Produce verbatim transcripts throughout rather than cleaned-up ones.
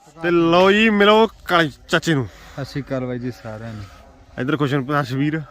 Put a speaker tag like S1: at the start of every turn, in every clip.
S1: ਤੇ ਲਓ ਜੀ ਮਿਲੋ ਕਾਲੇ ਚਾਚੇ ਨੂੰ।
S2: ਸਤਿ ਸ਼੍ਰੀ ਅਕਾਲ ਬਾਈ ਜੀ ਸਾਰਿਆਂ ਨੂੰ।
S1: ਇਧਰ ਖੁਸ਼ਨ ਤਸਵੀਰ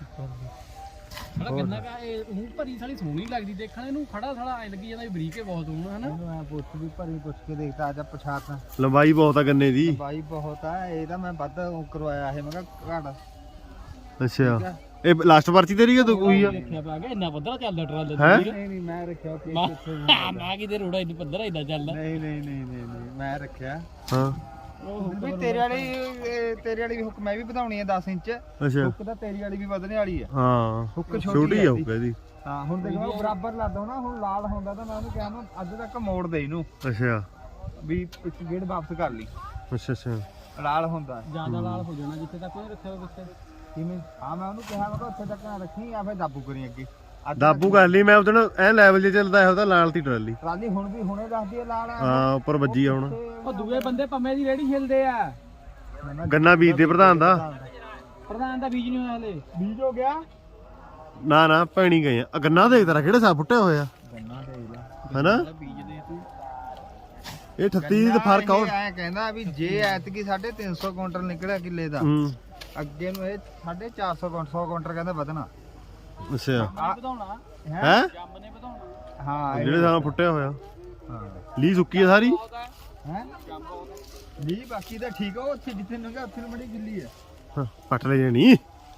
S3: ਬੜਾ ਕਿੰਨਾ ਕਾ ਇਹ ਮੂੰਹ ਭਰੀ ਸਾਲੀ ਸੋਹਣੀ ਲੱਗਦੀ ਦੇਖਣ ਨੂੰ। ਖੜਾ ਸਾਲਾ ਐ ਲੱਗੀ ਜਾਂਦਾ ਵੀ ਬਰੀਕੇ ਬਹੁਤ ਹੋਣਾ ਹਨਾ।
S2: ਮੈਂ ਪੁੱਛ ਵੀ ਭਰੀ ਪੁੱਛ ਕੇ ਦੇਖਦਾ ਅੱਜ ਪਛਾਤਾਂ
S1: ਲੰਬਾਈ ਬਹੁਤ ਆ ਗੰਨੇ ਦੀ।
S2: ਬਾਈ ਬਹੁਤ ਆ ਇਹਦਾ ਮੈਂ ਵੱਧ ਕਰਵਾਇਆ ਇਹ ਮੈਂ ਕਿਹਾ ਘਾਟ।
S1: ਅੱਛਾ ਇਹ ਲਾਸਟ ਪਰਚੀ ਤੇਰੀ ਆ ਤੂੰ ਕੋਈ ਆ
S3: ਦੇਖਿਆ ਪਾ ਗਿਆ ਇੰਨਾ ਪੱਧਰਾ ਚੱਲਦਾ ਟਰਾਲੇ
S1: ਹੈਂ?
S3: ਤੇ
S2: ਨਹੀਂ ਨਹੀਂ ਮੈਂ ਰੱਖਿਆ ਕਿ
S3: ਮੈਂ ਕਿਤੇ ਰੋੜਾ ਇੰਨੀ ਪੱਧਰਾ ਇੰਨਾ ਚੱਲਦਾ।
S2: ਨਹੀਂ ਨਹੀਂ ਨਹੀਂ ਨਹੀਂ ਨਹੀਂ ਮੈਂ ਰੱਖਿਆ।
S1: ਹਾਂ
S2: ਵੀ ਤੇਰੇ ਵਾਲੀ ਇਹ ਤੇਰੇ ਵਾਲੀ ਹੁੱਕ ਮੈਂ ਵੀ ਵਧਾਉਣੀ ਆ ਦਸ ਇੰਚ।
S1: ਅੱਛਾ
S2: ਹੁੱਕ ਤਾਂ ਤੇਰੀ ਵਾਲੀ ਵੀ ਵਧਣੇ ਵਾਲੀ ਆ।
S1: ਹਾਂ
S2: ਹੁੱਕ
S1: ਛੋਟੀ ਆ ਹੁੱਕ ਇਹਦੀ।
S2: ਹਾਂ ਹੁਣ ਦੇਖ ਮੈਂ ਬਰਾਬਰ ਲਾਦਾ ਨਾ। ਹੁਣ ਲਾਲ ਹੁੰਦਾ ਤਾਂ ਮੈਂ ਉਹਨੂੰ ਕਿਹਾ ਨੂੰ ਅੱਜ ਤੱਕ ਮੋੜ ਦੇ ਇਹਨੂੰ
S1: ਅੱਛਾ
S2: ਵੀ ਇੱਕ ਗੇੜ ਵਾਪਸ ਕਰ ਲਈ।
S1: ਅੱਛਾ ਅੱਛਾ
S2: ਲਾਲ ਹੁੰਦਾ
S3: ਜਿਆਦਾ ਲਾਲ ਹੋ ਜਾਣਾ ਜਿੱਥੇ ਤੱਕ ਉਹਨੇ ਰੱਖਿਆ ਹੋਵੇ ਪਿੱਛੇ।
S2: ਕਿਵੇਂ? ਹਾਂ ਮੈਂ ਉਹਨੂੰ ਕਿਹਾ ਮੈਂ ਕਿਹਾ ਉੱਥੇ ਤੱਕ ਨਾ ਰੱਖੀ ਆ ਫਿਰ ਦਾਬੂ ਕਰੀ ਅੱਗੇ। ਅੱਜ
S1: ਦਾਬੂ ਕਰ ਲਈ ਮੈਂ ਉਹਦਨ ਐ ਲੈਵਲ 'ਚ ਚੱਲਦਾ ਹੈ ਉਹਦਾ ਲਾਲ ਤੀ ਟਰਾਲੀ।
S2: ਟਰਾਲੀ ਹੁਣ ਵੀ ਹੁਣੇ ਦੱਸਦੀ ਆ ਲਾਲ ਆ।
S1: ਹਾਂ ਉੱਪਰ ਵੱਜੀ ਆ ਹੁਣ।
S3: ਉਹ ਦੂਏ ਬੰਦੇ ਪੰਮੇ ਦੀ ਰੇੜੀ ਹਿਲਦੇ ਆ।
S1: ਗੰਨਾ ਬੀਜਦੇ ਪ੍ਰਧਾਨ ਦਾ।
S3: ਪ੍ਰਧਾਨ ਦਾ ਬੀਜ ਨਹੀਂ ਹੋਇਆ ਹਲੇ।
S2: ਬੀਜ ਹੋ ਗਿਆ
S1: ਨਾ ਨਾ ਪੈਣੀ ਗਏ ਆ ਗੰਨਾ ਦੇਖ ਤੇਰਾ ਕਿਹੜੇ ਸਾਹ ਫੁੱਟਿਆ ਹੋਇਆ
S2: ਗੰਨਾ ਦੇਖ ਲੈ
S1: ਹੈਨਾ।
S3: ਬੀਜਦੇ ਤੂੰ
S1: ਇਹ ਅਠੱਤੀ ਦੀ ਫਰਕ ਆ।
S2: ਐ ਕਹਿੰਦਾ ਵੀ ਜੇ ਐਤਕੀ ਸਾਢੇ ਤਿੰਨ ਸੌ ਕੁਇੰਟਲ ਨਿਕਲਿਆ ਕਿੱਲੇ ਦਾ
S1: ਹੂੰ
S2: ਅੱਗੇ ਨੂੰ ਇਹ ਸਾਢੇ ਚਾਰ ਸੌ ਸੌ ਕੁਇੰਟਲ ਕਹਿੰਦਾ ਵਧਣਾ।
S1: ਅੱਛਾ
S3: ਵਧਾਉਣਾ
S1: ਹੈ
S3: ਜੰਮ ਨੇ ਵਧਾਉਣਾ।
S2: ਹਾਂ
S1: ਜਿਹੜੇ ਸਾਹ ਫੁੱਟਿਆ ਹੋਇਆ
S2: ਹਾਂ
S1: ਲੀ ਸੁੱਕੀ ਆ ਸਾਰੀ।
S2: ਹੈ ਨਹੀਂ ਬਾਕੀ ਤਾਂ ਠੀਕ ਆ। ਉਹ ਉੱਥੇ ਜਿੱਥੇ ਨੰਗਾ ਉੱਥੇ ਨੂੰ ਬੜੀ ਗਿੱਲੀ ਆ।
S1: ਹਾਂ, ਪੱਟ ਲੈ ਜਾਣੀ।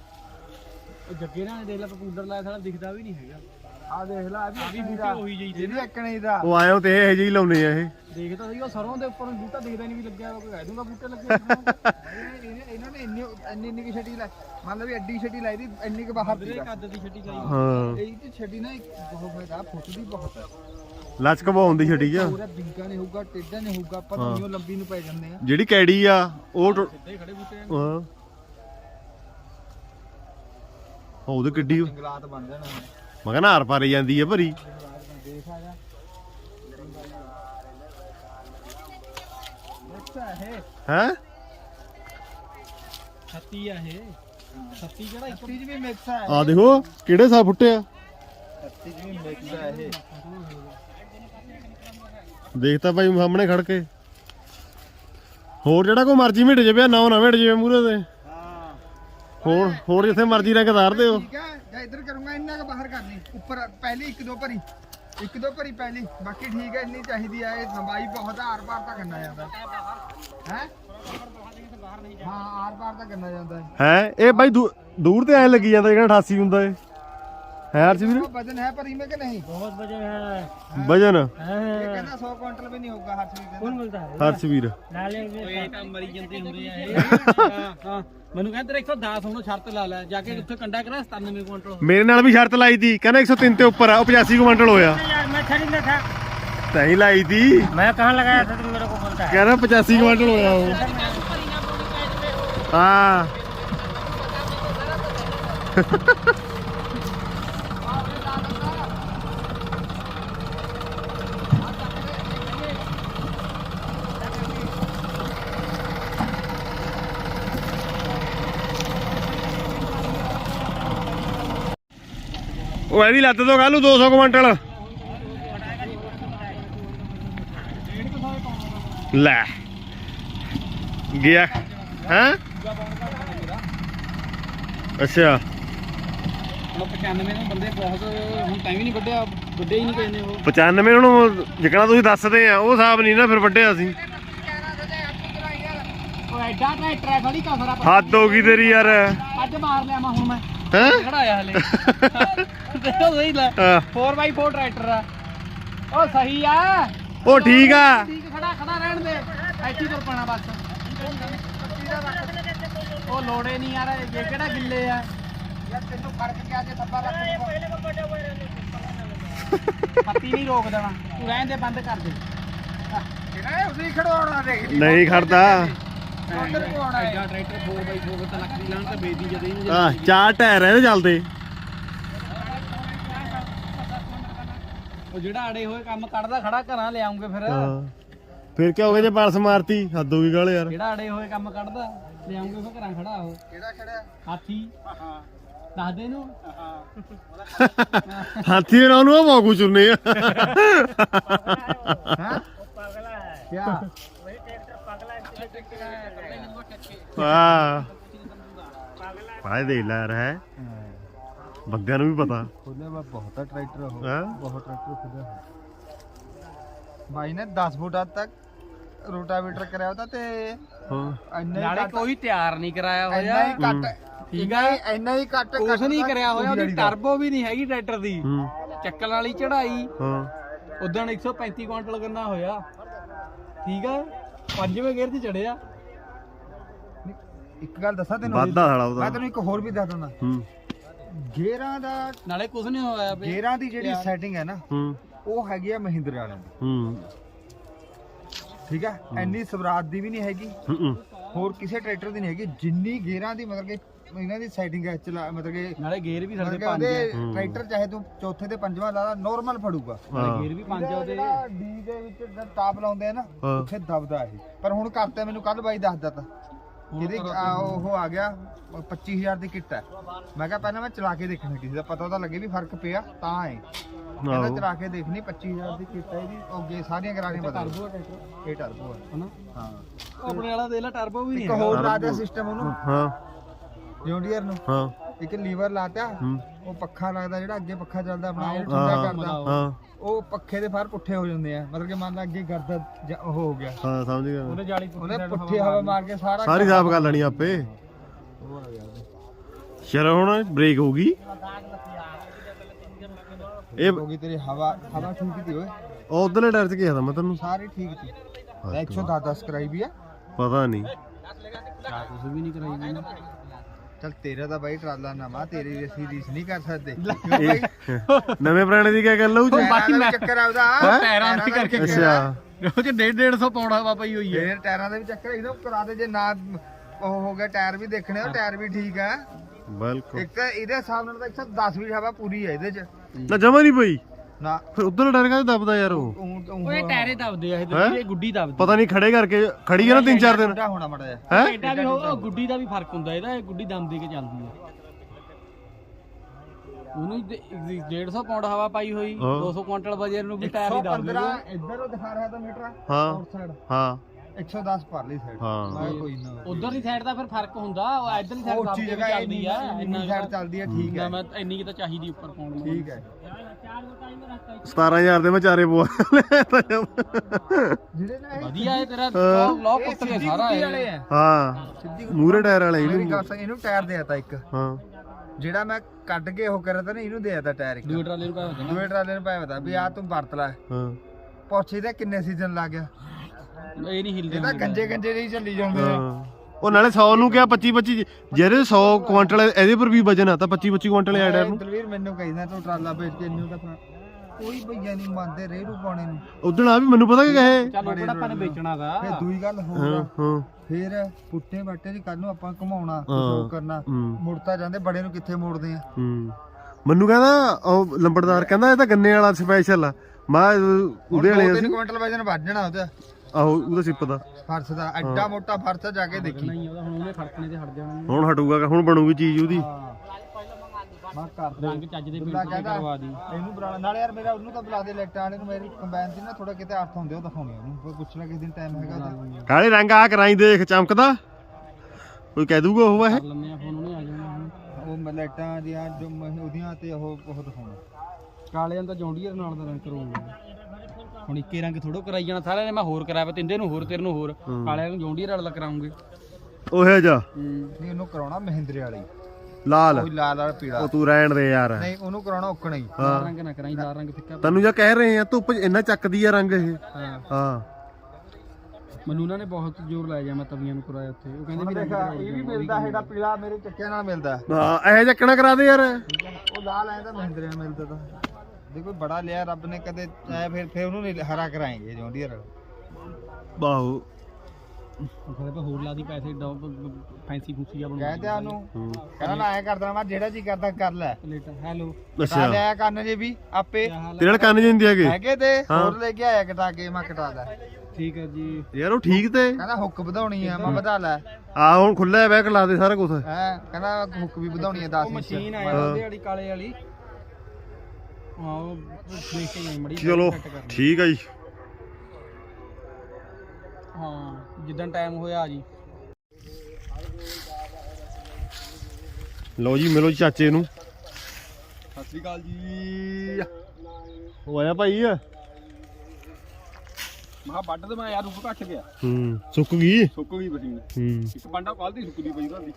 S3: ਉਹ ਜੱਗੇ ਨਾਲ ਦੇਖ ਲੈ ਪਪੂਲਰ ਲਾਇਆ ਸਾਲਾ ਦਿਖਦਾ ਵੀ ਨਹੀਂ ਹੈਗਾ।
S2: ਆ ਦੇਖ ਲੈ ਆ
S3: ਵੀ
S2: ਵੀ
S3: ਬੂਟੇ
S2: ਬੂਟਾ
S3: ਉਹੀ ਜਿਹੀ
S2: ਇਹ ਵੀ ਇੱਕਣੇ ਦਾ।
S1: ਉਹ ਆਇਓ ਤੇ ਇਹ ਜਿਹੀ ਲਾਉਨੇ ਆ ਇਹ।
S3: ਦੇਖਦਾ ਸੀ ਉਹ ਸਰੋਂ ਦੇ ਉੱਪਰ ਬੂਟਾ ਦਿਖਦਾ ਨਹੀਂ ਵੀ ਲੱਗਿਆ ਹੋਇਆ। ਕੋਈ ਕਹਿ ਦੂੰਗਾ ਬੂਟੇ ਲੱਗੇ
S2: ਇਹਨੇ- ਇਹਨਾਂ ਨੇ ਇੰਨੀ ਇੰਨੀ ਇੰਨੀ ਕਿ ਛੱਡੀ ਲਾਈ। ਮੰਨ ਲਓ ਵੀ ਐਡੀ ਛੱਡੀ ਲਾਈ ਦੀ ਇੰਨੀ ਕਿ ਬਾਹਰ ਦੀ
S3: ਕੱਦ ਦੀ ਛੱਟੀ ਲਾਈ।
S1: ਹਾਂ
S2: ਇਹ ਤੇ ਛੱਡੀ ਨਾ ਇੱਕ ਬਹੁਤ ਫਾਇਦਾ ਫੁੱਟਦੀ ਬਹੁਤ ਹੈ।
S1: ਲਚਕ ਬਹੁੰਦੀ ਛੱਡੀ ਆ।
S2: ਪੂਰਾ ਬਿੰਗਾ ਨਹੀਂ ਹੋਊਗਾ ਟੇਢਾ ਨਹੀਂ ਹੋਊਗਾ ਆਪਾਂ ਤਾਂ ਲੰਬੀ ਨੂੰ ਪੈ ਜਾਂਦੇ ਆ।
S1: ਜਿਹੜੀ ਕੈੜੀ ਆ ਉਹ ਟੁ-
S3: ਸਿੱਧੇ ਖੜੇ ਬੂਟੇ
S1: ਹਾਂ ਉਹਦੇ ਕਿੱਡੀ
S2: ਜੰਗਲਾਤ ਬਣ ਜਾਣਾ
S1: ਮੈਂ ਕਹਿੰਦਾ ਹਾਰ ਪਾਰੇ ਜਾਂਦੀ ਆ ਭਰੀ।
S2: ਦੇਖ ਆ ਜਾ ਅੱਛਾ ਹੈ
S1: ਹੈ
S3: ਛੱਤੀ ਆ ਇਹ। ਛੱਤੀ ਕਿਹੜਾ ਇੱਕ
S2: ਛੱਤੀ ਚ ਵੀ ਮਿਕਸ ਹੈ।
S1: ਆ ਦੇਖੋ ਕਿਹੜੇ ਸਾਹ ਫੁੱਟਿਆ।
S2: ਛੱਤੀ ਚ ਵੀ ਮਿਕਸ ਹੈ ਇਹ।
S1: ਦੇਖ ਤਾਂ ਭਾਈ ਸਾਹਮਣੇ ਖੜ ਕੇ। ਹੋਰ ਜਿਹੜਾ ਕੋਈ ਮਰਜ਼ੀ ਮਿਟ ਜਾਵੇ ਨਾ ਨਾ ਮਿਟ ਜਾਵੇ ਮੂਹਰੇ ਤੇ।
S2: ਹਾਂ
S1: ਹੋਰ ਹੋਰ ਜਿੱਥੇ ਮਰਜ਼ੀ ਰੰਗ ਧਾਰ ਦਿਓ।
S2: ਠੀਕ ਹੈ ਜਾਂ ਇੱਧਰ ਕਰੂੰਗਾ ਇੰਨਾ ਕੁ ਬਾਹਰ ਕਰ ਲਈ ਉੱਪਰ ਪਹਿਲੀ ਇੱਕ ਦੋ ਭਰੀ ਇੱਕ ਦੋ ਭਰੀ ਪਹਿਲੀ ਬਾਕੀ ਠੀਕ ਹੈ ਇੰਨੀ ਚਾਹੀਦੀ ਹੈ। ਇਹ ਲੰਬਾਈ ਬਹੁਤ ਆਰ ਪਾਰ ਤਾਂ ਕਰਨਾ ਜਾਂਦਾ ਹੈ। ਹਾਂ ਆਰ ਪਾਰ ਤਾਂ ਕਰਨਾ ਜਾਂਦਾ ਹੈ।
S1: ਹੈ ਇਹ ਬਾਈ ਦੂ- ਦੂਰ ਤੇ ਐ ਲੱਗੀ ਜਾਂਦਾ ਜਿਹੜਾ ਅਠਾਸੀ ਹੁੰਦਾ ਏ ਹੈ ਅਰਸ਼ ਵੀਰ।
S2: ਉਹ ਵਜਨ ਹੈ ਪਰ ਇਵੇਂ ਕਿ ਨਹੀਂ
S3: ਬਹੁਤ ਵਜਨ ਹੈ।
S1: ਵਜਨ
S2: ਇਹ ਕਹਿੰਦਾ ਸੌ ਕੁਇੰਟਲ ਵੀ ਨਹੀਂ ਹੋਊਗਾ ਹੱਥ ਵੀ ਕਹਿੰਦਾ।
S3: ਮਿਲਦਾ ਹੈ
S1: ਹਰਸ਼ ਵੀਰ
S3: ਨਾਲੇ ਇਹ ਤਾਂ ਮਰੀ ਜਾਂਦੇ ਹੁੰਦੇ ਆ ਇਹ। ਹਾਂ ਮੈਨੂੰ ਕਹਿੰਦੇ ਇੱਕ ਸੌ ਦਸ ਹੁਣ ਸ਼ਰਤ ਲਾ ਲੈ ਜਾ ਕੇ ਉੱਥੇ ਕੰਡਾ ਕਰਾ ਸਤਾਨਵੇਂ ਕੁਇੰਟਲ।
S1: ਮੇਰੇ ਨਾਲ ਵੀ ਸ਼ਰਤ ਲਾਈ ਤੀ ਕਹਿੰਦਾ ਇੱਕ ਸੌ ਤਿੰਨ ਤੇ ਉੱਪਰ ਆ ਉਹ ਪਚਾਸੀ ਕੁਇੰਟਲ ਹੋਇਆ।
S3: यार मैं खरीद ना था।
S1: ਤੈਂ ਲਾਈ ਤੀ
S3: मैं कहाँ लगाया था तुम मेरे को बोलता है।
S1: ਕਹਿੰਦਾ ਪਚਾਸੀ ਕੁਇੰਟਲ ਹੋਇਆ ਉਹ। ਹਾਂ ਉਹ ਇਹਦੀ ਲੱਤ ਤੋਂ ਕੱਲ ਨੂੰ ਦੋ ਸੌ ਕੁਇੰਟਲ ਲੈ ਗਿਆ ਹੈ। ਅੱਛਾ
S3: ਹੁਣ ਪਚਾਨਵੇਂ ਨੂੰ ਬੰਦੇ ਬਹੁਤ ਹੁਣ ਟਾਈਮ ਹੀ ਨਹੀਂ ਵੱਢਿਆ ਵੱਡੇ ਹੀ ਨਹੀਂ ਕਿਸੇ ਨੇ ਉਹ।
S1: ਪਚਾਨਵੇਂ ਨੂੰ ਜਿਕਣਾ ਤੁਸੀਂ ਦੱਸਦੇ ਆ ਉਹ ਹਿਸਾਬ ਨਹੀਂ ਨਾ ਫਿਰ ਵੱਢਿਆ ਸੀ।
S3: ਉਹ ਐਡਾ ਟਰੈਕਟਰ ਹੈ ਥੋੜੀ ਕਸਰਾ।
S1: ਹੱਦ ਹੋ ਗਈ ਤੇਰੀ ਯਾਰ।
S3: ਅੱਜ ਮਾਰ ਲਿਆ ਮੈਂ ਹੁਣ ਮੈਂ
S1: ਹੈ
S3: ਖੜਾਇਆ ਹਲੇ। ਦੇਖੋ ਸਹੀ ਲੈ ਫੋਰ ਬਾਈ ਫੋਰ ਟਰੈਕਟਰ ਆ। ਉਹ ਸਹੀ ਆ
S1: ਉਹ ਠੀਕ ਆ।
S3: ਠੀਕ ਖੜਾ ਖੜਾ ਰਹਿਣ ਦੇ ਐਤੀ ਤੁਰ ਪੈਣਾ ਬਸ। ਉਹ ਲੋੜੇ ਨਹੀਂ ਯਾਰ ਇਹ ਕਿਹੜਾ ਗਿੱਲੇ ਆ
S2: ਯਾਰ ਤੈਨੂੰ ਫਰਕ ਕਿਆ ਜੇ ਸੱਬਾ ਲੱਗ
S3: ਪੱਤੀ ਨਹੀਂ ਰੋਕ ਦੇਣਾ ਤੂੰ ਰਹਿਣ ਦੇ ਬੰਦ ਕਰ ਦੇ।
S2: ਜਿਹੜਾ ਉਸੇ ਖੜਾਉਣਾ ਦੇਖ
S1: ਨਹੀਂ ਖੜਦਾ।
S2: ਉਧਰ ਕੋਣਾ ਹੈ।
S3: ਐਡਾ ਟਰੈਕਟਰ ਫੋਰ ਬਾਈ ਫੋਰ ਤਾਂ ਲੱਖ ਦੀ ਲਾਣ ਤੇ ਵੇਚਦੀ ਜਦੇ ਹੀ ਨਹੀਂ।
S1: ਆ ਚਾਰ ਟਾਇਰ ਇਹਦੇ ਚੱਲਦੇ।
S3: ਉਹ ਜਿਹੜਾ ਅੜੇ ਹੋਏ ਕੰਮ ਕੱਢਦਾ ਖੜਾ ਘਰਾਂ ਲਿਆਉਂਗੇ ਫਿਰ।
S1: ਹਾਂ ਫਿਰ ਕੀ ਹੋ ਗਿਆ ਜੇ ਪਲਸ ਮਾਰਤੀ ਹੱਦ ਹੋ ਗਈ ਗਾਲੇ ਯਾਰ।
S3: ਜਿਹੜਾ ਅੜੇ ਹੋਏ ਕੰਮ ਕੱਢਦਾ ਲਿਆਉਂਗੇ ਫਿਰ ਘਰਾਂ ਖੜਾ ਉਹ
S2: ਕਿਹੜਾ ਖੜਿਆ
S3: ਹਾਥੀ।
S2: ਹਾਂ
S3: ਦੱਸ ਦੇ ਇਹਨੂੰ।
S1: ਹਾਥੀ ਨਾਲ ਉਹਨੂੰ ਮੌਕੂ ਚੁੰਨੇ ਆ।
S2: ਹਾਂ ਕਿਆ
S1: ਵਾਹ ਭਾਈ ਦੇ ਲੈ ਰਹਾ ਹੈ ਬੰਦਿਆਂ ਨੂੰ ਵੀ ਪਤਾ
S2: ਖੋਲਿਆ ਵਾ ਬਹੁਤ ਟਰੈਕਟਰ ਹੋ
S1: ਹੈਂ?
S2: ਬਹੁਤ ਟਰੈਕਟਰ ਖੋਲਿਆ ਭਾਈ ਨੇ ਦਸ ਫੁੱਟ ਤੱਕ ਰੋਟਾਵੇਟਰ ਕਰਿਆ ਉਹਦਾ ਤੇ
S1: ਹਾਂ
S2: ਇੰਨਾ ਹੀ
S3: ਨਾਲੇ
S2: ਘੱਟ
S3: ਕੋਈ ਤਿਆਰ ਨਹੀਂ ਕਰਾਇਆ
S2: ਇੰਨਾ
S3: ਹੋਇਆ
S2: ਹੀ ਘੱਟ
S3: ਠੀਕ
S2: ਇੰਨਾ
S3: ਆ
S2: ਹੀ ਇੰਨਾ ਹੀ ਘੱਟ
S3: ਕੁਛ ਨਹੀਂ ਕਰਿਆ ਹੋਇਆ ਉਹਦੀ ਟਰਬੋ ਵੀ ਨਹੀਂ ਹੈਗੀ ਟਰੈਕਟਰ ਦੀ
S1: ਹੂੰ
S3: ਚੱਕਣ ਵਾਲੀ ਚੜਾਈ
S1: ਹਾਂ
S3: ਉਦੋਂ ਇੱਕ ਸੌ ਪੈਂਤੀ ਕੁਆਂਟਲ ਗੰਨਾ ਹੋਇਆ ਠੀਕ ਆ ਪੰਜਵੇਂ ਗੇਅਰ 'ਚ ਚੜਿਆ
S2: ਇੱਕ ਗੱਲ ਦੱਸਾਂ ਤੈਨੂੰ
S1: ਵਾਧਾ ਸਾਲਾ
S2: ਮੈਂ
S1: ਉਹਦਾ
S2: ਤੈਨੂੰ ਇੱਕ ਹੋਰ ਵੀ ਦੱਸ ਦਿੰਦਾ
S1: ਹੂੰ
S2: ਗੇਅਰਾਂ ਦਾ
S3: ਨਾਲੇ ਕੁਛ ਨਹੀਂ ਹੋਇਆ ਬਈ
S2: ਗੇਅਰਾਂ ਦੀ ਜਿਹੜੀ ਸੈਟਿੰਗ ਹੈ ਨਾ
S1: ਹੂੰ
S2: ਉਹ ਹੈਗੀ ਆ ਮਹਿੰਦਰੇ ਵਾਲਿਆਂ ਦੀ
S1: ਹੂੰ
S2: ਠੀਕ ਆ ਇੰਨੀ ਸਵਰਾਜ ਦੀ ਵੀ ਨਹੀਂ ਹੈਗੀ
S1: ਹੂੰ
S2: ਹੋਰ ਕਿਸੇ ਟਰੈਕਟਰ ਦੀ ਨਹੀਂ ਹੈਗੀ ਜਿੰਨੀ ਗੇਅਰਾਂ ਦੀ ਮਤਲਬ ਕਿ ਇਹਨਾਂ ਦੀ ਸੈਟਿੰਗ ਹੈ ਚਲਾ ਮਤਲਬ ਕਿ
S3: ਨਾਲੇ ਗੇਅਰ ਵੀ
S2: ਮਤਲਬ
S3: ਸਾਡੇ
S2: ਕਿ
S3: ਪੰਜ ਆ
S2: ਉਹਦੇ ਟਰੈਕਟਰ ਚਾਹੇ ਤੂੰ ਚੌਥੇ ਤੇ ਪੰਜਵਾਂ ਲਾ ਲਾ ਨਾਰਮਲ ਫੜੂਗਾ
S1: ਹਾਂ
S3: ਗੇਅਰ ਵੀ ਪੰਜ ਆ ਉਹਦੇ
S2: ਜਿਹੜਾ ਡੀ ਦੇ ਵਿੱਚ ਜਦ ਟਾਪ ਲਾਉਂਦੇ ਆ ਨਾ
S1: ਹਾਂ।
S2: ਉੱਥੇ ਦਬਦਾ ਇਹ ਪਰ ਹੁਣ ਕਰਤੇ ਮੈਨੂੰ ਕੱਲ ਬਾਈ ਦੱਸਦਾ ਤਾ ਇਹਦੇ ਆ ਉਹ ਆ ਗਿਆ ਪੱਚੀ ਹਜ਼ਾਰ ਦੀ ਕਿੱਟ ਹੈ ਮੈਂ ਕਿਹਾ ਪਹਿਲਾਂ ਮੈਂ ਚਲਾ ਕੇ ਦੇਖਣਾ ਕਿਸੇ ਦਾ ਪਤਾ ਤਾਂ ਲੱਗੇ ਵੀ ਫਰਕ ਪਿਆ ਤਾਂ ਹੈ ਕਹਿੰਦਾ
S1: ਆਹੋ।
S2: ਚਲਾ ਕੇ ਦੇਖਣੀ ਪੱਚੀ ਹਜ਼ਾਰ ਦੀ ਕਿੱਟ ਹੈ ਇਹਦੀ ਅੱਗੇ ਸਾਰੀਆਂ ਕਰਾਰੀਆਂ ਬਦਲ
S3: ਟਰਬੋ ਟਰੈਕਟਰ
S2: ਇਹ ਟਰਬੋ ਹੈ
S3: ਹਨਾ
S2: ਹਾਂ
S3: ਆਪਣੇ ਵਾਲਾ ਦੇ ਲਾ ਟਰਬੋ ਵੀ ਨਹੀਂ
S2: ਇੱਕ ਹੋਰ ਲਾ ਦਿਆ ਸਿਸਟਮ ਉਹਨੂੰ
S1: ਹਾਂ
S2: ਜੌਂਡੀਅਰ ਨੂੰ
S1: ਹਾਂ
S2: ਇੱਕ ਲੀਵਰ ਲਾਤਾ
S1: ਹੂੰ
S2: ਉਹ ਪੱਖਾ ਲੱਗਦਾ ਜਿਹੜਾ ਅੱਗੇ ਪੱਖਾ ਚੱਲਦਾ ਆਪਣਾ ਇਹ
S1: ਹਾਂ
S2: ਠੰਡਾ ਕਰਦਾ
S1: ਹਾਂ
S2: ਉਹ ਪੱਖੇ ਦੇ ਫਾਰ ਪੁੱਠੇ ਹੋ ਜਾਂਦੇ ਆ ਮਤਲਬ ਕਿ ਮੰਨ ਲਾ ਅੱਗੇ ਗਰਦਾ ਜ- ਉਹ ਹੋ ਗਿਆ
S1: ਹਾਂ ਸਮਝ ਗਿਆ
S3: ਉਹਨੇ ਜਾਲੀ
S2: ਉਹਨੇ ਪੁੱਠੇ ਹਵਾ ਮਾਰ ਕੇ ਸਾਰਾ
S1: ਸਾਰੀ ਸਾਫ ਕਰ ਲੈਣੀ ਆਪੇ
S2: ਉਹ ਆ ਗਿਆ ਉਹਦੇ।
S1: ਚਲੋ ਹੁਣ ਬ੍ਰੇਕ ਹੋ ਗਈ ਇਹ
S2: ਹੋ ਗਈ ਤੇਰੀ ਹਵਾ ਹਵਾ ਠੀਕ ਸੀ ਓਏ
S1: ਉਹ ਉਧਰਲੇ ਟਾਇਰ 'ਚ ਕੀ ਆਦਾ ਮੈਂ ਤੈਨੂੰ
S2: ਸਾਰੀ ਠੀਕ ਸੀ ਇੱਕ ਸੌ ਦਸ ਦਸ ਕਰਾਈ ਵੀ ਆ
S1: ਪਤਾ ਨਹੀਂ
S3: ਕੁਝ ਵੀ ਨਹੀਂ ਕਰਾਈ ਨਾ
S2: ਚਲ ਤੇਰਾ ਤਾਂ ਬਾਈ ਟਰਾਲਾ ਨਵਾਂ ਤੇਰੀ ਅਸੀਂ ਰੀਸ ਨਹੀਂ ਕਰ ਸਕਦੇ
S1: ਨਵੇਂ ਪੁਰਾਣੇ ਦੀ ਕੀ ਗੱਲ ਹੋਊ ਜੀ
S2: ਬਾਕੀ ਮੈਂ ਚੱਕਰ ਆਉਦਾ
S3: ਟਾਇਰਾਂ ਦੀ ਕਰਕੇ
S1: ਅੱਛਾ
S3: ਉਹ ਚ ਡੇਢ ਡੇਢ ਸੌ ਪਾਉਣਾ ਹਵਾ ਪਈ ਹੋਈ ਹੈ
S2: ਫੇਰ ਟਾਇਰਾਂ ਦੇ ਵੀ ਚੱਕਰ ਇਹਨੂੰ ਕਰਾ ਦੇ ਜੇ ਨਾ ਉਹ ਹੋ ਗਿਆ ਟਾਇਰ ਵੀ ਦੇਖਣੇ ਉਹ ਟਾਇਰ ਵੀ ਠੀਕ ਆ
S1: ਬਿਲਕੁਲ
S2: ਇੱਕ ਤਾਂ ਇਹਦੇ ਹਿਸਾਬ ਨਾਲ ਤਾਂ ਇੱਕ ਸੌ ਦਸ ਵੀ ਹਵਾ ਪੂਰੀ ਹੈ ਇਹਦੇ ਚ
S1: ਨਾ ਜਮਾ ਨਹੀਂ ਪਈ
S2: ਨਾ
S1: ਫਿਰ ਉਧਰਲੇ ਟਾਇਰ ਕਾਹਦੇ ਦੱਬਦਾ ਯਾਰ ਉਹ
S2: ਉਹ
S3: ਓਏ ਟਾਇਰੇ ਦਬਦੇ ਆ ਇਹ
S1: ਹੈਂ?
S3: ਤੇ ਗੁੱਡੀ ਦਬਦੀ
S1: ਪਤਾ ਨਹੀਂ ਖੜੇ ਕਰਕੇ ਖੜੀ ਹੈ ਨਾ ਤਿੰਨ ਚਾਰ ਦਿਨ
S2: ਹੋਣਾ ਮੜਾ ਜਾ
S1: ਹੈ
S3: ਐਡਾ ਵੀ ਉਹ ਗੁੱਡੀ ਦਾ ਵੀ ਫਰਕ ਹੁੰਦਾ ਇਹਦਾ ਇਹ ਗੁੱਡੀ ਦਮ ਦੇ ਕੇ ਚੱਲਦੀ ਹੈ ਉਹਨੂੰ ਡੇਢ ਸੌ ਪਾਉਂਡ ਹਵਾ ਪਾਈ ਹੋਈ
S1: ਹਾਂ।
S3: ਦੋ ਸੌ ਕੁਆਂਟਲ ਵਜੇ ਨੂੰ ਵੀ ਟਾਇਰ ਹੀ ਦਬ
S2: ਪੰਦਰਾਂ
S3: ਦਿੰਦੇ
S2: ਇੱਧਰ ਉਹ ਦਿਖਾ ਰਿਹਾ ਤਾਂ ਮੀਟਰ
S1: ਹਾਂ
S2: ਆਊਟ ਸਾਈਡ
S1: ਹਾਂ
S2: ਇੱਕ ਸੌ ਦਸ ਪਰਲੀ ਸਾਈਡ
S1: ਹਾਂ
S2: ਮੈਂ ਕੋਈ ਨਾ
S3: ਉਧਰਲੀ ਸਾਈਡ ਦਾ ਫਿਰ ਫਰਕ ਹੁੰਦਾ ਉਹ ਇਧਰਲੀ ਸਾਈਡ
S2: ਉਹ
S3: ਦਬ
S2: ਉੱਚੀ
S3: ਕੇ ਵੀ
S2: ਜਗ੍ਹਾ
S3: ਚੱਲਦੀ ਆ
S2: ਇੰਨੀ ਸਾਈਡ ਚੱਲਦੀ ਹੈ ਠੀਕ
S3: ਨਾ
S2: ਹੈ
S3: ਮੈਂ ਇੰਨੀ ਕਿ ਤਾਂ ਚਾਹੀਦੀ ਉੱਪਰ ਪਾਉਣ ਨੂੰ
S2: ਠੀਕ ਹੈ
S1: ਸਤਾਰਾਂ ਹਜ਼ਾਰ ਦੇ ਮੈਂ ਚਾਰੇ ਪਵਾ
S2: ਜਿਹੜੇ ਨਾ ਇਹ
S3: ਵਧੀਆ ਹੈ ਤੇਰਾ ਲੋ ਪੁੱਤ ਕੇ ਸਾਰਾ
S2: ਗੁੱਡੀ
S3: ਇਹ
S2: ਵਾਲੇ ਆ
S1: ਹਾਂ
S2: ਸਿੱਧੀ
S1: ਮੂਰੇ ਟਾਇਰ ਵਾਲੇ
S2: ਮੇਰੀ
S1: ਇਹਨੂੰ
S2: ਗੱਲ ਸੁਣ, ਇਹਨੂੰ ਟਾਇਰ ਦੇ ਆਤਾ ਇੱਕ
S1: ਹਾਂ
S2: ਜਿਹੜਾ ਮੈਂ ਕੱਢ ਕੇ ਉਹ ਕਰਿਆ ਤਾਂ ਨਾ ਇਹਨੂੰ ਦੇ ਆਤਾ ਟਾਇਰ ਇੱਕ
S3: ਦੂਏ ਟਰਾਲੇ ਨੂੰ ਪਾਇਆ ਹੁੰਦਾ
S2: ਦੂਏ ਟਰਾਲੇ ਨੂੰ ਪਾਇਆ ਤਾਂ ਵੀ ਆ ਤੂੰ ਵਰਤ ਲੈ
S1: ਹਾਂ
S2: ਪੁੱਛ ਦਾ ਕਿੰਨੇ ਸੀਜ਼ਨ ਲੱਗ ਗਿਆ
S3: ਨਾ ਇਹ ਨਹੀਂ ਹਿਲਦੇ
S2: ਇਹ ਤਾਂ ਗੰਜੇ ਗੰਜੇ ਨਹੀਂ ਚੱਲੀ ਜਾਂਦੇ ਆ
S1: ਹਾਂ। ਉਹ ਨਾਲੇ ਸੌ ਨੂੰ ਕਿਹਾ ਪੱਚੀ ਪੱਚੀ ਜਿਹੜੇ ਸੌ ਕੁਆਂਟਲ ਇਹਦੇ ਪਰ ਵੀ ਵਜਨ ਆ ਤਾਂ ਪੱਚੀ ਪੱਚੀ ਕੁਆਂਟਲ ਐ ਟਾਇਰ ਨੂੰ
S2: ਦਲਵੀਰ ਮੈਨੂੰ ਕਹਿੰਦਾ ਤੂੰ ਟਰਾਲਾ ਵੇਚ ਕੇ ਇਹਨੂੰ ਤਾਂ ਕੋਈ ਭਈਆ ਨਹੀਂ ਮੰਨਦੇ ਰੇਰੂ ਪਾਉਣੇ ਨੂੰ
S1: ਉਦਣ ਆ ਵੀ ਮੈਨੂੰ ਪਤਾ ਕਿ ਕਹੇ
S3: ਚੱਲ ਉਹ ਕਿਹੜਾ ਆਪਾਂ ਨੇ ਵੇਚਣਾਗਾ
S2: ਫੇਰ ਦੂਈ ਗੱਲ ਹੋਰ
S1: ਹਾਂ
S2: ਆ,
S1: ਹਾਂ
S2: ਫੇਰ ਪੁੱਟੇ ਬਾਟੇ ਦੀ ਕੱਲ ਨੂੰ ਆਪਾਂ ਘੁਮਾਉਣਾ ਕੁਛ
S1: ਹਾਂ।
S2: ਹੋਰ ਕਰਨਾ
S1: ਹੂੰ
S2: ਮੁੜਤਾ ਜਾਂਦੇ ਬੜੇ ਨੂੰ ਕਿੱਥੇ ਮੋੜਦੇ ਆ
S1: ਹੂੰ ਮੈਨੂੰ ਕਹਿੰਦਾ ਉਹ ਲੰਬੜਦਾਰ ਕਹਿੰਦਾ ਇਹ ਤਾਂ ਗੰਨੇ ਵਾਲਾ ਸਪੈਸ਼ਲ ਆ ਮੈਂ ਉਹਦੇ ਵਾਲੇ
S2: ਦੋ
S1: ਅਸੀਂ
S2: ਤਿੰਨ ਕੁਇੰਟਲ ਵਜਨ ਵੱਧ ਜਾਣਾ ਉਹਦਾ
S1: ਆਹੋ ਉਹਦਾ ਸਿੱਪ ਦਾ
S2: ਫਰਸ਼ ਦਾ ਐਡਾ ਮੋਟਾ ਫਰਸ਼ ਆ, ਜਾ ਕੇ ਦੇਖੀ
S3: ਨਹੀਂ ਉਹਦਾ ਹੁਣ ਉਹਨੇ ਖੜਕਣੇ ਤੇ ਹਟ ਜਾਣਾ
S1: ਹੁਣ ਹਟੂਗਾ ਹੁਣ ਬਣੂਗੀ ਚੀਜ਼ ਉਹਦੀ
S2: ਮੈਂ ਕਰ
S3: ਰੰਗ ਚੱਜ ਦੇ
S2: ਬੰਦਾ
S3: ਪੇਂਟ
S2: ਕਹਿੰਦਾ
S3: ਕਰਵਾ ਦੀ
S2: ਇਹਨੂੰ ਬੁਲਾ ਨਾਲੇ ਯਾਰ ਮੇਰਾ ਉਹਨੂੰ ਤਾਂ ਬੁਲਾ ਦੇ ਲੈਟਾਂ ਵਾਲੇ ਨੂੰ ਮੇਰੀ ਕੰਬਾਈਨ ਦੀ ਨਾ ਥੋੜਾ ਕਿਤੇ ਅਰਥ ਹੁੰਦੇ ਉਹ ਦਿਖਾਉਣੇ ਉਹਨੂੰ ਕੋਈ ਪੁੱਛ ਲੈ ਕਿਸ ਦਿਨ ਟਾਈਮ ਹੈਗਾ ਉਹਦਾ
S1: ਕਾਲੇ ਰੰਗ ਆ ਕਰਾਈ ਦੇਖ ਚਮਕਦਾ ਕੋਈ ਕਹਿ ਦੂਗਾ ਉਹ ਇਹ
S3: ਕਰ ਲੈਂਦੇ ਆ ਫੋਨ ਉਹਨੇ ਆ ਜਾਣਾ ਹੁਣ।
S2: ਉਹ ਮ- ਲਾਈਟਾਂ ਦੀਆਂ ਜੋ ਮ- ਉਹਦੀਆਂ ਤੇ ਉਹ ਉਹ ਦਿਖਾਉਣਾ
S3: ਕਾਲਿਆਂ ਦਾ ਜੌਂਡੀਅਰ ਨਾਲ ਦਾ ਰੰਗ ਕਰਵਾਉਣਾ ਹੁਣ ਇੱਕੇ ਰੰਗ ਥੋੜੋ ਕਰਾਈ ਜਾਣਾ ਸਾਰਿਆਂ ਨੇ ਮੈਂ ਹੋਰ ਕਰਾਇਆ ਵਾ ਤਿੰਦੇ ਨੂੰ ਹੋਰ ਤੇਰੇ ਨੂੰ ਹੋਰ ਕਾਲਿਆਂ ਨੂੰ ਜੌਂਡੀਅਰ ਵਾਲਾ ਕਰਾਉਂਗੇ
S1: ਉਹੇ ਜਾ
S2: ਨਹੀਂ ਉਹਨੂੰ ਕਰਾਉਣਾ ਮਹਿੰਦਰੇ ਵਾਲੀ
S1: ਲਾਲ
S2: ਕੋਈ ਲਾਲ ਵਾਲਾ ਪੀਲਾ
S1: ਉਹ ਤੂੰ ਰਹਿਣ ਦੇ ਯਾਰ
S2: ਨਹੀਂ ਉਹਨੂੰ ਕਰਾਉਣਾ ਉੱਕਣਾ ਹੀ
S3: ਲਾਲ ਰੰਗ ਨਾ ਕਰਾਈ ਲਾਲ ਰੰਗ ਫਿੱਕਾ
S1: ਤੈਨੂੰ ਜਾਂ ਕਹਿ ਰਹੇ ਆ ਧੁੱਪ ਇੰਨਾ ਚੱਕਦੀ ਆ ਰੰਗ ਇਹ
S2: ਹਾਂ
S1: ਹਾਂ
S3: ਮੈਨੂੰ ਉਹਨਾਂ ਨੇ ਬਹੁਤ ਜ਼ੋਰ ਲਾਇਆ ਜਾਂ ਮੈਂ ਤਵੀਆਂ ਨੂੰ ਕਰਾਇਆ ਉੱਥੇ ਉਹ ਕਹਿੰਦੇ ਵੀ ਰੰਗ
S2: ਇਹ ਵੀ ਮਿਲਦਾ ਹੈਗਾ ਪੀਲਾ ਮੇਰੇ ਚੱਕਿਆਂ ਨਾਲ ਮਿਲਦਾ
S1: ਹਾਂ ਇਹ ਚੱਕਣਾ ਕਰਾ ਦੇ ਯਾਰ
S2: ਉਹ ਲਾਲ ਐ ਤਾਂ ਮਹਿੰਦਰੇ ਨਾਲ ਮਿਲਦਾ ਤਾਂ ਦੇਖੋ ਬੜਾ ਲਿਆ ਰੱਬ ਨੇ ਕਦੇ ਐ ਫਿਰ ਫਿਰ ਉਹਨੂੰ ਨਹੀਂ ਹਰਾ ਕਰਾਏਗੇ ਜੌਂਡੀਅਰ
S1: ਬਾਹੂ
S3: ਫਿਰ ਤਾਂ ਹੋਰ ਲਾ ਦੀ ਪੈਸੇ ਫੈਂਸੀ ਫੂਸੀ ਆ ਬਣੂ
S2: ਕਹਿ ਦਿਆ ਉਹਨੂੰ ਕਹਿੰਦਾ ਨਾ ਐ ਕਰਦਾ ਮੈਂ ਜਿਹੜਾ ਜੀ ਕਰਦਾ ਕਰ ਲੈ
S3: ਪਲੇਟ ਹੈਲੋ
S2: ਕਟਾ
S1: ਅੱਛਾ
S2: ਲਿਆ ਕੰਨ ਜੇ ਵੀ ਆਪੇ
S1: ਤੇਰੇ ਨਾਲ ਕੰਨ ਜਿੰਦੀ ਹੈਗੇ
S2: ਹੈਗੇ ਤੇ ਹੋਰ ਲੈ ਕੇ ਆਇਆ ਕਟਾ ਕੇ ਮੈਂ ਕਟਾਦਾ
S3: ਠੀਕ ਹੈ ਜੀ
S1: ਯਾਰ ਉਹ ਠੀਕ ਤੇ
S2: ਕਹਿੰਦਾ ਹੁੱਕ ਵਧਾਉਣੀ ਆ ਮੈਂ ਵਧਾ ਲੈ
S1: ਆ ਹੁਣ ਖੁੱਲਾ ਬੈਕ ਲਾ ਦੇ ਸਾਰਾ ਕੁਝ
S2: ਹੈ ਕਹਿੰਦਾ ਹੁੱਕ ਵੀ ਵਧਾਉਣੀ ਆ ਦਸ ਇੰਚ
S3: ਮਸ਼ੀਨ ਆਇਆ ਉਹਦੇ ਵਾਲੀ ਕਾਲੇ ਵਾਲੀ ਹਾਂ ਉਹ ਦੇਖ ਕੇ ਜਾਈ ਮੜੀ
S1: ਚਲੋ ਠੀਕ ਆ ਜੀ
S3: ਹਾਂ ਜਿੱਦਣ ਟਾਈਮ ਹੋਇਆ ਆ ਜੀ।
S1: ਲਓ ਜੀ ਮਿਲੋ ਜੀ ਚਾਚੇ ਨੂੰ।
S3: ਸਤਿ ਸ੍ਰੀ ਅਕਾਲ ਜੀ।
S1: ਉਹ ਆਇਆ ਭਾਈ ਆ।
S3: ਮਹਾ ਵੱਢ ਤੇ ਮੈਂ ਯਾਰ ਰੁੱਖ ਘੱਟ ਗਿਆ।
S1: ਹੂੰ ਸੁੱਕ ਗਈ।
S3: ਸੁੱਕ ਗਈ ਬਸੀਨ।
S1: ਹੂੰ
S3: ਇੱਕ ਬੰਡਾ ਕੱਲ ਦੀ ਸੁੱਕਦੀ ਪਈ ਉਹਦੀ।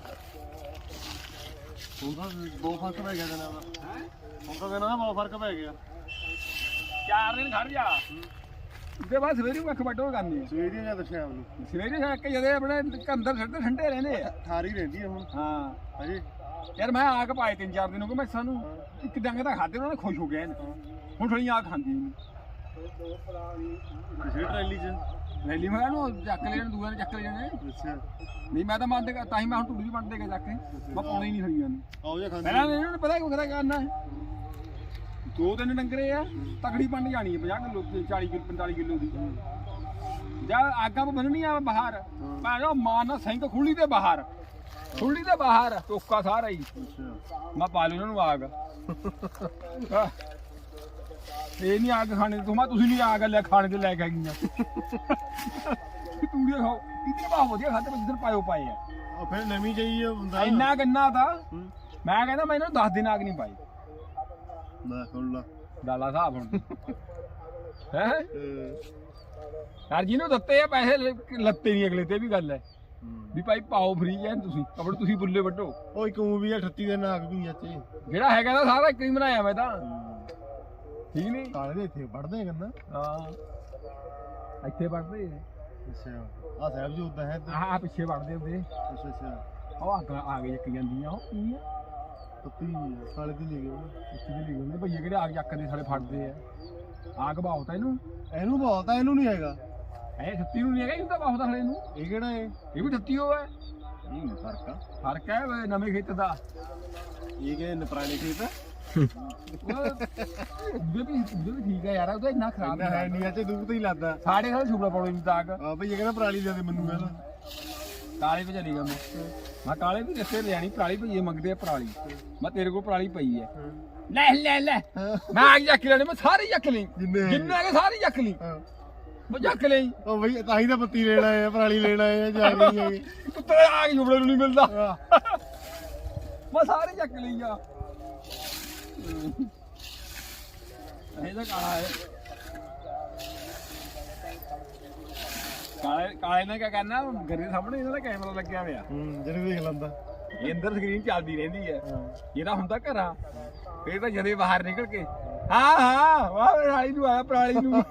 S1: ਹੁਣ ਤਾਂ ਬਹੁਤ ਫਰਕ ਪੈ ਗਿਆ ਜਨਾ ਦਾ। ਹੈ ਹੁਣ ਤਾਂ ਕਹਿੰਦਾ ਬਹੁਤ ਫਰਕ ਪੈ ਗਿਆ।
S3: ਚਾਰ ਦਿਨ ਖੜ ਜਾ। ਉਹਦੇ ਬਾਅਦ ਸਵੇਰੇ ਨੂੰ ਅੱਖ ਵੱਢੋ ਕਰਨੀ।
S1: ਸਵੇਰੇ ਜਾਂ ਸ਼ਾਮ ਨੂੰ।
S3: ਸਵੇਰੇ ਜਾ ਕੇ ਜਦੇ ਆਪਣੇ ਅੰਦਰ ਛੱਡਦੇ ਠੰਡੇ ਰਹਿੰਦੇ ਆ।
S1: ਠਾਰੀ ਰਹਿੰਦੀ ਆ ਹੁਣ।
S3: ਹਾਂ
S1: ਅਜੇ
S3: ਯਾਰ ਮੈਂ ਆਗ ਪਾਏ ਤਿੰਨ ਚਾਰ ਦਿਨ ਹੋ ਗਏ ਮੈਂ ਸਾਨੂੰ ਇੱਕ ਡੰਗ ਤਾਂ ਖਾਦੇ ਉਹਨਾਂ ਨੇ ਖੁਸ਼ ਹੋ ਗਏ ਹੁਣ ਥੋੜੀ ਆਗ ਖਾਂਦੀ ਨਹੀਂ।
S1: ਕਿਸੇ ਟਰੈਲੀ 'ਚ
S3: ਰੈਲੀ ਮੈਂ ਉਹਨੂੰ ਚੱਕ ਲੈਣ ਦੂਏ ਨੇ ਚੱਕ ਲੈਣੇ।
S1: ਅੱਛਾ
S3: ਨਹੀਂ ਮੈਂ ਤਾਂ ਮੰਨਦੇ ਤਾਂ ਹੀ ਮੈਂ ਹੁਣ ਟੁੱਡੀ ਬੰਦ ਦੇ ਕੇ ਚੱਕ ਕੇ ਮੈਂ ਪਾਉਣਾ ਹੀ ਨਹੀਂ ਖੜੀਆਂ ਨੂੰ।
S1: ਆਓ ਜਾ ਖਾਂਦੇ
S3: ਪਹਿਲਾਂ ਇਹਨਾਂ ਨੂੰ ਪਤਾ ਕੀ ਕਰਾ ਕਰਨਾ ਹੈ। ਦੋ ਤਿੰਨ ਡੰਗਰੇ ਆ ਤਕੜੀ ਪੰਡ ਜਾਣੀ ਹੈ ਪੰਜਾਹ ਕਿਲੋ ਚਾਲੀ ਕਿਲੋ ਪੰਤਾਲੀ ਕਿਲੋ ਦੀ। ਜਾਂ ਆਗਾਂ ਬੰਨਣੀ ਆ ਬਾਹਰ ਭਾਵੇਂ ਮਾਰਨਾ ਸਿੰਘ ਖੁੱਲੀ ਤੇ ਬਾਹਰ ਖੁੱਲੀ ਤੇ ਬਾਹਰ ਟੋਕਾ ਸਾਰਾ ਹੀ। ਮੈਂ ਪਾ ਲੂ ਉਹਨਾਂ ਨੂੰ ਆਗ। ਇਹ ਨਹੀਂ ਆਗ ਖਾਣੇ ਤੋਂ ਮੈਂ ਤੁਸੀਂ ਨਹੀਂ ਆਗ ਲੈ ਖਾਣੇ ਤੇ ਲੈ ਕੇ ਗਈਆਂ। ਤੂੜੀ ਖਾਓ ਕਿਤੇ ਬਾਹ ਵਧੀਆ ਖਾਤੇ ਜਿੱਧਰ ਪਾਇਓ ਪਾਏ ਆ।
S1: ਉਹ ਫਿਰ ਨਵੀਂ ਜਾਈ ਹੁੰਦਾ
S3: ਇੰਨਾ ਗੰਨਾ ਤਾਂ ਮੈਂ ਕਹਿੰਦਾ ਮੈਂ ਇਹਨਾਂ ਨੂੰ ਦਸ ਦਿਨ ਆਗ ਨਹੀਂ ਪਾਈ।
S1: ਲੈ ਸੁਣ ਲਾ
S3: ਡਾਲਾ ਹਿਸਾਬ ਹੁਣ ਹੈ ਯਾਰ ਜਿਹਨੂੰ ਦਿੱਤੇ ਆ ਪੈਸੇ ਲੱਤੇ ਨਹੀਂ ਅਗਲੇ ਤੇ ਵੀ ਗੱਲ ਹੈ ਵੀ ਭਾਈ ਪਾਓ ਫਰੀ ਐ ਤੁਸੀਂ ਆਪਣੇ ਤੁਸੀਂ ਬੁੱਲੇ ਵੱਢੋ।
S1: ਉਹ ਇੱਕ ਉਹ ਵੀ ਆ ਅਠੱਤੀ ਦੇ ਨਾਗ ਵੀ ਚਾਚੇ
S3: ਜਿਹੜਾ ਹੈਗਾ ਤਾਂ ਸਾਰਾ ਇੱਕ ਹੀ ਬਣਾਇਆ ਮੈਂ ਤਾਂ ਠੀਕ ਨਹੀਂ।
S1: ਕਾਲੇ ਦੇ ਇੱਥੇ ਵੱਢਦੇ ਕਹਿੰਦਾ।
S3: ਹਾਂ ਇੱਥੇ ਵੱਢਦੇ
S1: ਅੱਛਾ ਆ ਸਾਹਿਬ ਜੀ ਉਦਾਂ ਹੈ
S3: ਆਹ ਪਿੱਛੇ ਵੱਢਦੇ ਹੁੰਦੇ।
S1: ਅੱਛਾ ਅੱਛਾ
S3: ਉਹ ਅੱਗ ਆ ਕੇ ਚੱਕ ਜਾਂਦੀਆਂ ਉਹ ਕੀ ਆ
S1: ਪੱਤੀ ਕਾਲੇ ਦੀ ਲੈ ਗਏ
S3: ਉੱਥੇ ਦੇ ਲਿਖਦੇ ਭਈਏ ਕਿਹੜੇ ਆਗ ਚੱਕਦੇ ਸਾਰੇ ਫੜਦੇ ਆ। ਆਗ ਬਹੁਤ ਆ ਇਹਨੂੰ
S1: ਇਹਨੂੰ ਬਹੁਤ ਆ ਇਹਨੂੰ ਨਹੀਂ ਹੈਗਾ।
S3: ਇਹ ਛੱਤੀ ਨੂੰ ਨਹੀਂ ਹੈਗਾ ਇਹਨੂੰ ਤਾਂ ਬਹੁਤ ਆ ਹਲੇ ਨੂੰ।
S1: ਇਹ ਕਿਹੜਾ ਹੈ
S3: ਇਹ ਵੀ ਛੱਤੀ ਹੋ ਹੈ।
S1: ਇਹ ਫਰਕ ਆ
S3: ਫਰਕ ਹੈ ਨਵੇਂ ਖੇਤ ਦਾ।
S1: ਇਹ ਕਿ ਪੁਰਾਣੇ ਖੇਤ
S3: ਉਹਦੇ ਵੀ ਉਹਦੇ ਵੀ ਠੀਕ ਹੈ ਯਾਰ ਉਹਦਾ ਇੰਨਾ ਖਰਾਬ
S1: ਇੰਨਾ ਹੈ ਨਹੀਂ ਅੱਛੇ ਦੂਰ ਤੇ ਹੀ ਲੱਗਦਾ।
S3: ਸਾਡੇ ਨਾਲ ਛੁਪੜਾ ਪਾਉਣੀ ਨਹੀਂ ਤਾਕ।
S1: ਆ ਭਈ ਇਹ ਕਹਿੰਦਾ ਪਰਾਲੀ ਦੇ ਦੇ ਮੈਨੂੰ ਕਹਿੰਦਾ
S3: ਕਾਲੇ ਭਜਾ ਨਹੀਂ ਗਾ ਮੈਂ ਮੈਂ ਕਾਲੇ ਵੀ ਦੱਸੇ ਲਿਆਣੀ ਪਰਾਲੀ ਭਈਏ ਮੰਗਦੇ ਆ ਪਰਾਲੀ। ਮੈਂ ਤੇਰੇ ਕੋਲ ਪਰਾਲੀ ਪਈ ਹੈ ਲੈ ਲੈ ਲੈ ਮੈਂ ਆ ਚੱਕ ਲੈਣੇ ਮੈਂ ਸਾਰੀ ਚੱਕ ਲਈ
S1: ਜਿੰਨੇ
S3: ਜਿੰਨੇ ਹੈਗੇ ਸਾਰੀ ਚੱਕ ਲਈ ਮੈਂ ਚੱਕ ਲਈ।
S1: ਉਹ ਬਈ ਤਾਂ ਹੀ ਤਾਂ ਪੱਤੀ ਲੈਣ ਆਏ ਆ ਪਰਾਲੀ ਲੈਣ ਆਏ ਆ ਜਾ ਕੇ ਹੈਗੇ
S3: ਕੁੱਤੇ ਆ ਕੇ ਛੁਪੜੇ ਨੂੰ ਨਹੀਂ ਮਿਲਦਾ। ਮੈਂ ਸਾਰੀ ਚੱਕ ਲਈ ਆ। ਇਹ ਤਾਂ ਕਾਲਾ ਹੈ। ਕਾਲੇ ਕਾਲੇ ਨੇ ਕਿਆ ਕਰਨਾ ਘਰੇ ਦੇ ਸਾਹਮਣੇ ਇਹਨਾਂ ਦਾ ਕੈਮਰਾ ਲੱਗਿਆ ਹੋਇਆ।
S1: ਹੂੰ ਜਿਹੜੇ ਦੇਖ ਲੈਂਦਾ
S3: ਇਹ ਅੰਦਰ ਸਕਰੀਨ ਚੱਲਦੀ ਰਹਿੰਦੀ ਹੈ। ਇਹਦਾ ਹੁੰਦਾ ਘਰਾਂ ਫੇਰ ਤਾਂ ਜਦੇ ਬਾਹਰ ਨਿਕਲ ਕੇ ਹਾਂ ਹਾਂ ਵਾਹ ਪਰਾਲੀ ਨੂੰ ਆਇਆ ਪਰਾਲੀ ਨੂੰ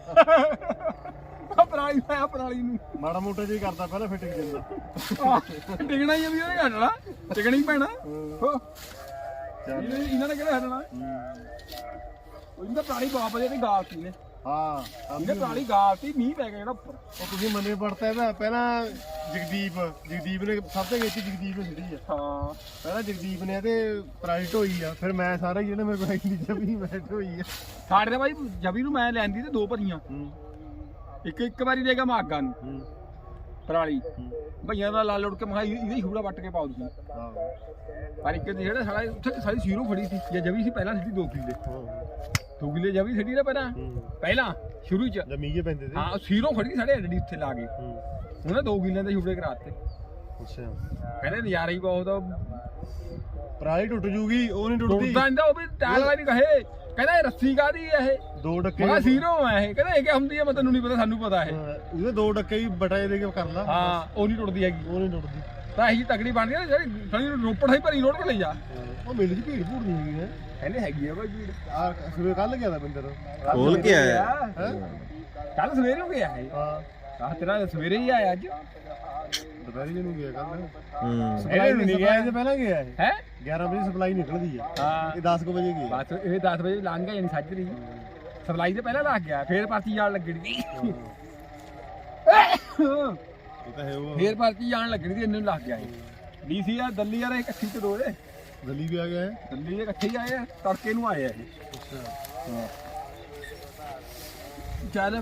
S3: ਪਰਾਲੀ ਨੂੰ ਆਇਆ ਪਰਾਲੀ ਨੂੰ
S1: ਮਾੜਾ ਮੋਟਾ ਜਿਹਾ ਕਰਦਾ ਪਹਿਲਾਂ ਫਿੱਟ ਜਾਂਦਾ
S3: ਟਿਕਣਾ ਹੀ ਆ ਵੀ ਉਹਨੇ ਹਟਣਾ ਟਿਕਣਾ ਹੀ ਪੈਣਾ। ਹੋ ਇਹਨਾਂ ਨੇ ਕਿਹੜਾ ਹਟਣਾ। ਉਹ ਇਹਦਾ ਪਰਾਲੀ ਬਾਪ ਵਧੀਆ ਤੇ ਗਾਲ ਸੀ ਨੇ।
S1: ਹਾਂ
S3: ਇਹਨੇ ਪਰਾਲੀ ਗਾਲ ਸੀ ਮੀਂਹ ਪੈ ਗਿਆ ਜਿਹੜਾ ਉੱਪਰ।
S1: ਉਹ ਤੁਸੀਂ ਮੰਨੇ ਪੜਤਾ ਇਹਦਾ ਪਹਿਲਾਂ ਜਗਦੀਪ ਜਗਦੀਪ ਨੇ ਸਭ ਤੋਂ ਵਿੱਚ ਜਗਦੀਪ ਨੇ ਛੱਡੀ ਆ।
S3: ਹਾਂ
S1: ਪਹਿਲਾਂ ਜਗਦੀਪ ਨੇ ਤੇ ਪ੍ਰਾਈਟ ਹੋਈ ਆ ਫਿਰ ਮੈਂ ਸਾਰਾ ਜਿਹੜੇ ਮੇਰੇ ਕੋਲ ਇੰਨੀ ਜਮੀ ਮੈਟ ਹੋਈ ਆ।
S3: ਸਾਡੇ ਤਾਂ ਬਾਈ ਜਬੀ ਨੂੰ ਮੈਂ ਲੈਂਦੀ ਤੇ ਦੋ ਭਰੀਆਂ
S1: ਹੂੰ
S3: ਇੱਕ ਇੱਕ ਵਾਰੀ ਦੇਗਾ ਮੈਂ ਆਗਾਂ ਨੂੰ
S1: ਹੂੰ
S3: ਪਰਾਲੀ ਭਈਆਂ ਦਾ ਲਾ ਲੁੜ ਕੇ ਮੈਂ ਇਹਦਾ ਹੀ ਛੂੜਾ ਵੱਟ ਕੇ ਪਾਉ ਤੁਸੀਂ।
S1: ਹਾਂ
S3: ਪਰ ਇੱਕ ਜਿਹੜਾ ਸਾਲਾ ਉੱਥੇ ਸਾਰੀ ਸੀਰੋ ਫੜੀ ਸੀ ਜੇ ਜਵੀ ਸੀ ਪਹਿਲਾਂ ਸਿੱਧੀ ਦੋ ਕਿੱਲੇ ਦੋ ਕਿੱਲੇ ਜਵੀ ਸਿੱਧੀ ਨਾ ਪਹਿਲਾਂ ਪਹਿਲਾਂ ਸ਼ੁਰੂ ਚ
S1: ਜਮੀਗੇ ਪੈਂਦੇ ਤੇ
S3: ਹਾਂ ਸੀਰੋ ਫੜੀ ਸਾਡੇ ਐਡੀ ਉੱਥੇ ਲਾ ਗਏ ਉਹਨੇ ਦੋ ਕਿੱਲਿਆਂ ਦੇ ਛੂੜੇ ਕਰਾਤੇ।
S1: ਅੱਛਾ
S3: ਕਹਿੰਦੇ ਨਜ਼ਾਰਾ ਹੀ ਬਹੁਤ ਆ।
S1: ਪਰਾਲੀ ਟੁੱਟ ਜੂਗੀ ਉਹ ਨਹੀਂ ਟੁੱਟਦੀ
S3: ਟੁੱਟਦਾ ਨਹੀਂ ਉਹ ਵੀ ਟਾਇਲ ਵਾਲੀ ਕਹੇ ਕਹਿੰਦਾ ਇਹ ਰੱਸੀ ਕਾਦੀ ਆ ਇਹ
S1: ਦੋ ਡੱਕੇ
S3: ਮੈਂ ਸੀਰੋ ਆ ਇਹ ਕਹਿੰਦਾ ਇਹ ਕੀ ਹੁੰਦੀ ਆ ਮੈਂ ਤੈਨੂੰ ਨਹੀਂ ਪਤਾ ਸਾਨੂੰ ਪਤਾ ਇਹ।
S1: ਉਹਦੇ ਦੋ ਡੱਕੇ ਹੀ ਬਟਾਏ ਦੇ ਕੇ ਕਰ ਲਾ।
S3: ਹਾਂ ਉਹ ਨਹੀਂ ਟੁੱਟਦੀ ਹੈਗੀ
S1: ਉਹ ਨਹੀਂ ਟੁੱਟਦੀ
S3: ਤਾਂ ਇਹੀ ਤਕੜੀ ਬਣਦੀ ਆ ਜਿਹੜੀ ਸਾਡੀ ਰੋਪੜ ਹੀ ਭਰੀ ਰੋਡ ਤੇ ਲਈ ਜਾ।
S1: ਉਹ ਮਿਲ ਜੀ ਭੀੜ ਭੂੜ ਨਹੀਂ ਹੈਗੀ ਹੈ
S3: ਕਹਿੰਦੇ ਹੈਗੀ ਆ ਬਾਈ ਭੀੜ।
S1: ਆ ਸਵੇਰ ਕੱਲ ਗਿਆ ਦਾ ਬੰਦਰ
S3: ਖੋਲ ਕੇ ਆਇਆ ਕੱਲ ਸਵੇਰੇ ਹੋ ਗਿਆ ਇਹ।
S1: ਹਾਂ
S3: ਆਹ ਤੇਰਾ ਸਵੇਰੇ ਹੀ ਆਇਆ ਅੱਜ
S1: ਦੁਪਹਿਰੀ ਨੂੰ ਗਿਆ ਕੱਲ
S3: ਹੂੰ
S1: ਸਪਲਾਈ ਨਹੀਂ ਗਿਆ ਇਹਦੇ ਪਹਿਲਾਂ ਗਿਆ ਇਹ
S3: ਹੈ
S1: ਗਿਆਰਾਂ ਵਜੇ ਸਪਲਾਈ ਨਿਕਲਦੀ ਆ।
S3: ਹਾਂ
S1: ਇਹ ਦਸ ਕੁ ਵਜੇ ਗਿਆ
S3: ਬਸ ਇਹ ਦਸ ਵਜੇ ਲੰਘ ਗਿਆ ਯਾਨੀ ਸੱਜ ਰਹੀ ਸਪਲਾਈ ਤੇ ਪਹਿਲਾਂ ਲੱਗ ਗਿਆ ਫੇਰ ਪਰਚੀ ਜਾਣ ਲੱਗਣੀ
S1: ਇਹ ਤਾਂ ਹੈ ਉਹ
S3: ਫੇਰ ਪਰਚੀ ਜਾਣ ਲੱਗਣੀ ਤੇ ਇਹਨੂੰ ਲੱਗ ਗਿਆ ਇਹ ਡੀਸੀ ਆ ਦਿੱਲੀ ਯਾਰ ਇਕੱਠੀ ਤੇ ਦੋ ਦੇ
S1: ਦਿੱਲੀ ਵੀ ਆ ਗਿਆ ਹੈ
S3: ਦਿੱਲੀ ਦੇ ਇਕੱਠੇ ਹੀ ਆਏ ਆ ਤੜਕੇ ਨੂੰ ਆਏ ਆ ਇਹ
S1: ਅੱਛਾ
S3: ਹਾਂ ਚੱਲ